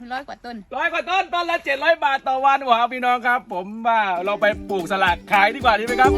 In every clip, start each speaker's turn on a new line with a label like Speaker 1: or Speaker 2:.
Speaker 1: 100 กว่าต้น
Speaker 2: ต้นละ700 บาทต่อวันว้าวพี่น้องครับผมว่าเราไปปลูกสลัดขายดีกว่าดีไหมครับ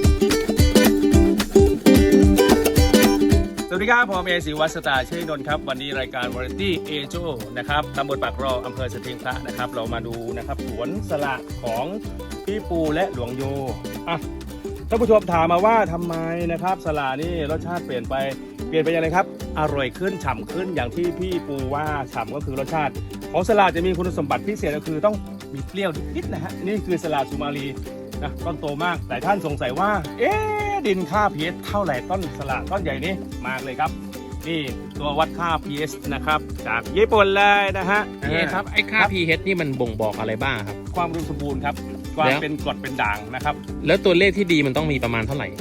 Speaker 2: สวัสดีครับผมเอศิวัฒน์สตาร์เชยนนท์ครับวันนี้รายการวาไรตี้เอโจนะครับตำบลปากรออำเภอสถิงพระนะครับเรามาดูนะครับสวนสละของพี่ปูและหลวงโยอ่ะท่านผู้ชมถามมาว่าทำไมนะครับสละนี่รสชาติเปลี่ยนไปยังไงครับอร่อยขึ้นฉ่ำขึ้นอย่างที่พี่ปูว่าฉ่ำก็คือรสชาติของสละจะมีคุณสมบัติพิเศษก็คือต้องมีเปรี้ยวนิดๆนะฮะนี่คือสละสุมาลีนะต้นโตมากหลายท่านสงสัยว่าดินค่า pH เท่าไหร่ต้นสละต้นใหญ่นี้มากเลยครับนี่ตัววัดค่า pH นะครับจากญี่ปุ่นเลยนะฮะ
Speaker 3: ครับไอ้ค่า pH นี่มันบ่งบอกอะไรบ้างครับ
Speaker 2: ความอุดมสมบูรณ์ครับความเป็นกรดเป็นด่างนะครับ
Speaker 3: แล้วตัวเลขที่ดีมันต้องมีประมาณเท่าไหร่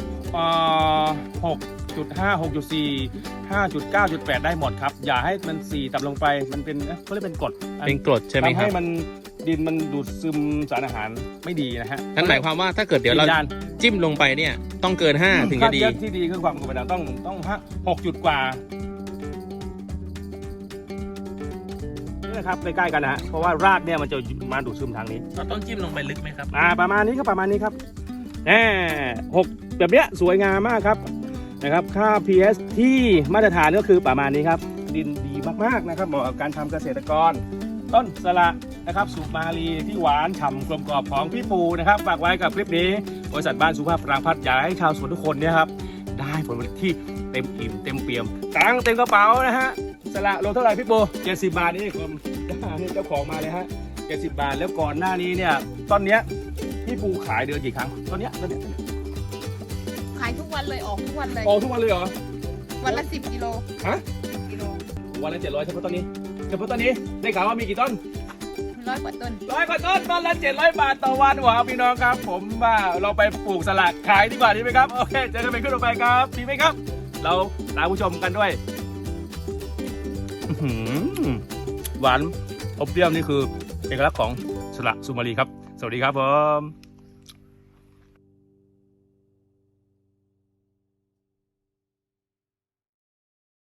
Speaker 2: 6.5 6.4 5.9.8 ได้หมดครับอย่าให้มัน4ต่ำลงไปมันเป็นเขาเรียกเป็นกรด
Speaker 3: ใช่ไหมครับ
Speaker 2: ทำให้มันดินมันดูดซึมสารอาหารไม่ดีนะฮะ
Speaker 3: นั่นหมายความว่าถ้าเกิดเดี๋ยวเราจิ้มลงไปเนี่ยต้องเกิน5ถึงจะดี
Speaker 2: ที่ดีคือความกรดเป็นด่างต้อง6 จุดกว่านี่นะครับใกล้ๆกันนะฮะเพราะว่ารากเนี่ยมันจะมาดูดซึมทางนี้
Speaker 3: เราต้องจิ้มลงไปลึกไหมครับ
Speaker 2: ประมาณนี้ครับ6แบบเนี้ยสวยงามมากครับนะครับค่า pH ที่มาตรฐานก็คือประมาณนี้ครับดินดีมากๆนะครับเหมาะกับการทำเกษตรกรต้นสละนะครับสุมาลีที่หวานฉ่ำกลมกล่อมของพี่ปูนะครับฝากไว้กับคลิปนี้บริษัทบ้านสุภาพปรางพัฒน์อยากให้ชาวสวนทุกคนเนี่ยครับได้ผลผลิตที่เต็มอิ่มเต็มเปี่ยมตังเต็มกระเป๋านะฮะสละโลเท่าไหร่พี่ปู70 บาทนี่ผมนี่เจ้าของมาเลยฮะ70 บาทแล้วก่อนหน้านี้เนี่ยต้นเนี้ยพี่ปูขายเดือนกี่ครั้งต้นเนี้ย
Speaker 1: ขายทุกวันเลยออกทุกวันเลย
Speaker 2: ทุกวันเลยเหรอ
Speaker 1: วันละ10 กิโล
Speaker 2: ฮะ
Speaker 1: 10 กิโล
Speaker 2: วันละ700เฉพาะต้นนี้ได้ข่าวว่ามีกี่ต้น
Speaker 1: 100 กว่าต้น
Speaker 2: ต้นละ700 บาทต่อวันว้าวพี่น้องครับผมว่าเราไปปลูกสลัดขายดีกว่าดีไหมครับโอเคเจอกันเป็นขึ้นต่อไปครับดีไหมครับเราลาผู้ชมกันด้วยหวานอบเปรี้ยวนี่คือเอกลักษณ์ของสละสุมาลีครับสวัสดีครับผม